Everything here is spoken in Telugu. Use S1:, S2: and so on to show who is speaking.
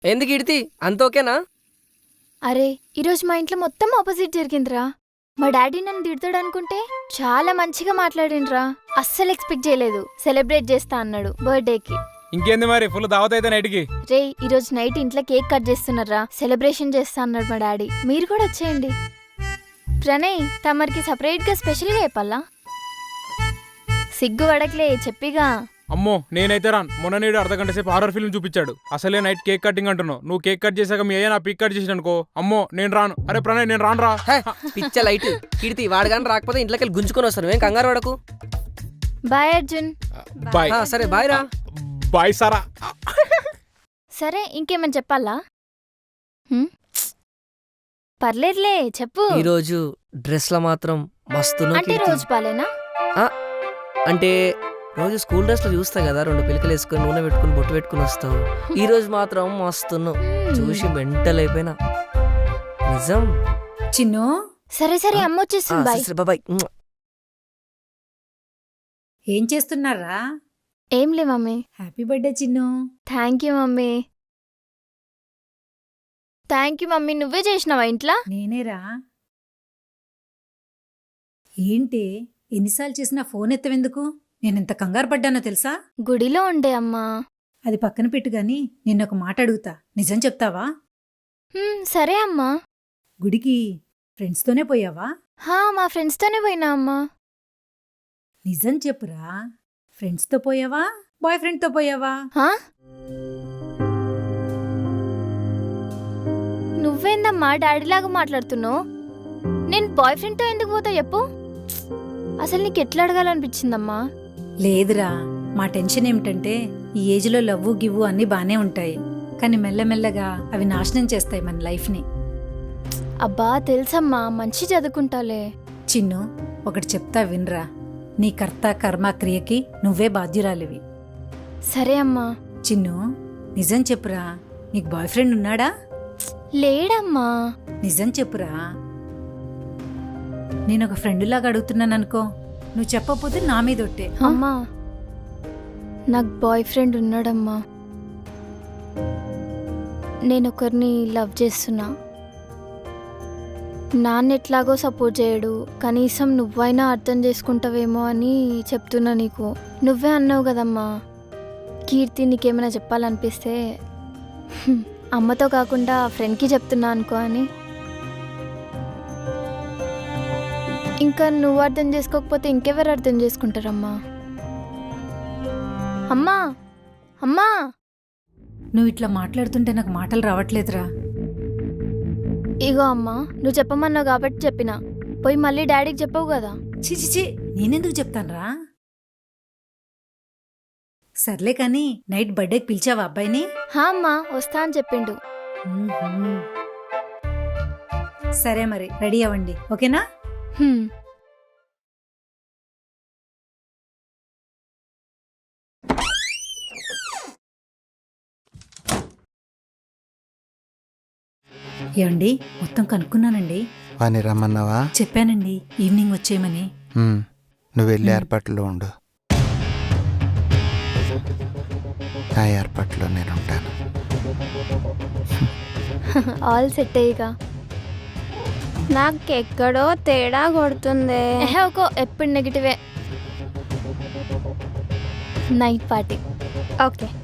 S1: ఎందుకు ఇడితి అంత ఓకేనా?
S2: అరే ఈరోజు మా ఇంట్లో మొత్తం ఆపోజిట్ జరిగిందిరా. మా డాడీ నన్ను తిడతాడు అనుకుంటే చాలా మంచిగా మాట్లాడిండ్రా. అస్సలు ఎక్స్పెక్ట్ చేయలేదు. సెలబ్రేట్ చేస్తా అన్నాడు బర్త్డేకి.
S3: ఇంకేంది మరి ఫుల్ దావత్ అయితే నైట్కి.
S2: రే ఈరోజు నైట్ ఇంట్లో కేక్ కట్ చేస్తున్నారా, సెలబ్రేషన్ చేస్తా అన్నాడు మా డాడీ. మీరు కూడా వచ్చేయండి. ప్రణయ్ తమరికి సపరేట్ గా స్పెషల్ గా చెప్పాలా? సిగ్గు పడకలే చెప్పిగా.
S3: అమ్మో నేనైతే రాను. మొన్న నేడు అర్ధగంట సేపు హారర్ ఫిల్మ్ చూపించాడు. అసలే నైట్ కేక్ కటింగ్ అంటున్నావు. నువ్వు కేక్ కట్ చేశాక మీ అయ్యా నా పిక్ కట్ చేసి అనుకో, అమ్మో నేను రాను. అరే ప్రణయ్ నేను రాను రా.
S1: పిచ్చ లైట్ కిడితి వాడగాని రాకపోతే ఇంట్లోకి వెళ్ళి గుంజుకొని వస్తాను. ఏం కంగారు వాడకు.
S2: బాయ్ అర్జున్.
S3: బాయ్.
S1: సరే బాయ్ రా.
S3: బాయ్ సారా.
S2: సరే ఇంకేమని చెప్పాలా? పర్లేదులే చెప్పు.
S1: ఈరోజు డ్రెస్ లో మాత్రం మస్తు
S2: అంటే రోజు బాలేనా?
S1: అంటే రోజు స్కూల్ డ్రెస్ లో చూస్తా కదా, 2 పిలకలు వేసుకొని నూనె పెట్టుకుని బొట్టు పెట్టుకుని వస్తావు. ఈ రోజు మాత్రం మస్తున్నావు. చూసి మెంటల్ అయిపోయినా. నిజం
S4: చిన్ను.
S2: సరే సరే అమ్మ వచ్చేస్తుంది. Bye
S1: bye.
S4: ఏం చేస్తున్నారా?
S2: ఏం లే mummy.
S4: Happy birthday Chinnu.
S2: Thank you mummy. Thank you mummy. నువ్వే చేసినావా ఇంట్లో?
S4: నేనేరా. ఏంటి ఎన్నిసార్లు చేసినా ఫోన్ ఎత్తవెందుకు? నేనెంత కంగారు పడ్డానో తెలుసా?
S2: గుడిలో ఉండే అమ్మా.
S4: అది పక్కన పెట్టు గాని నిన్నొక మాట అడుగుతా, నిజం చెప్తావా?
S2: సరే అమ్మా.
S4: గుడికి ఫ్రెండ్స్తోనే పోయావా?
S2: మా ఫ్రెండ్స్తోనే పోయినా అమ్మా.
S4: నిజం చెప్పురా, ఫ్రెండ్స్తో పోయావా బాయ్ ఫ్రెండ్తో పోయావా?
S2: నువ్వేందమ్మా డాడీలాగా మాట్లాడుతున్నావు? నేను బాయ్ ఫ్రెండ్తో ఎందుకు పోతా చెప్పు? అసలు నీకు ఎట్లా అడగాలనిపించిందమ్మా?
S4: లేదురా, మా టెన్షన్ ఏమిటంటే ఈ ఏజ్లో లవ్వు గివ్వు అన్నీ బానే ఉంటాయి, కానీ మెల్లమెల్లగా అవి నాశనం చేస్తాయి మన లైఫ్ని.
S2: అబ్బా తెలుసమ్మా, మంచి చదువుకుంటాలే.
S4: చిన్ను ఒకటి చెప్తా వినరా, నీ కర్త కర్మ క్రియకి నువ్వే బాధ్యురాలివి.
S2: సరే అమ్మా.
S4: చిన్ను నిజం చెప్పురా, నీకు బాయ్ ఫ్రెండ్ ఉన్నాడా?
S2: లేడమ్మా.
S4: నిజం చెప్పురా. నేను ఒక ఫ్రెండ్లాగా అడుగుతున్నాననుకో, నువ్వు చెప్పకపోతే నా మీద ఒట్టే.
S2: అమ్మా నాకు బాయ్ ఫ్రెండ్ ఉన్నాడమ్మా. నేను ఒకరిని లవ్ చేస్తున్నా. నాన్న ఎట్లాగో సపోర్ట్ చేయడు, కనీసం నువ్వైనా అర్థం చేసుకుంటావేమో అని చెప్తున్నా నీకు. నువ్వే అన్నావు కదమ్మా, కీర్తి నీకేమైనా చెప్పాలనిపిస్తే అమ్మతో కాకుండా ఫ్రెండ్కి చెప్తున్నా అనుకో అని. ఇంకా నువ్వు అర్థం చేసుకోకపోతే ఇంకెవరు అర్థం చేసుకుంటారమ్మా? అమ్మా అమ్మా.
S4: నువ్వు ఇట్లా మాట్లాడుతుంటే నాకు మాటలు రావట్లేదురా.
S2: ఇగో అమ్మా, నువ్వు చెప్పమన్నావు కాబట్టి చెప్పినా. పోయి మళ్ళీ డాడీకి చెప్పవు కదా.
S4: చిచిచి నేనెందుకు చెప్తానురా? సర్లే కానీ నైట్ బర్త్డేకి పిలిచావా అబ్బాయిని?
S2: అమ్మా వస్తా అని చెప్పిండు.
S4: సరే మరి రెడీ అవ్వండి, ఓకేనా? ఏమండి మొత్తం కనుక్కున్నానండి.
S5: వాణ్ణి రమ్మన్నావా?
S4: చెప్పానండి ఈవినింగ్ వచ్చేయమని.
S5: నువ్వు వెళ్ళి ఏర్పాట్లో ఉండు, నా ఏర్పాట్లో నేను ఉంటాను.
S2: All set అయ్యిగా.
S6: నాకెక్కడో తేడా కొడుతుంది.
S2: ఎప్పుడు నెగిటివే. Night party.
S6: ఓకే.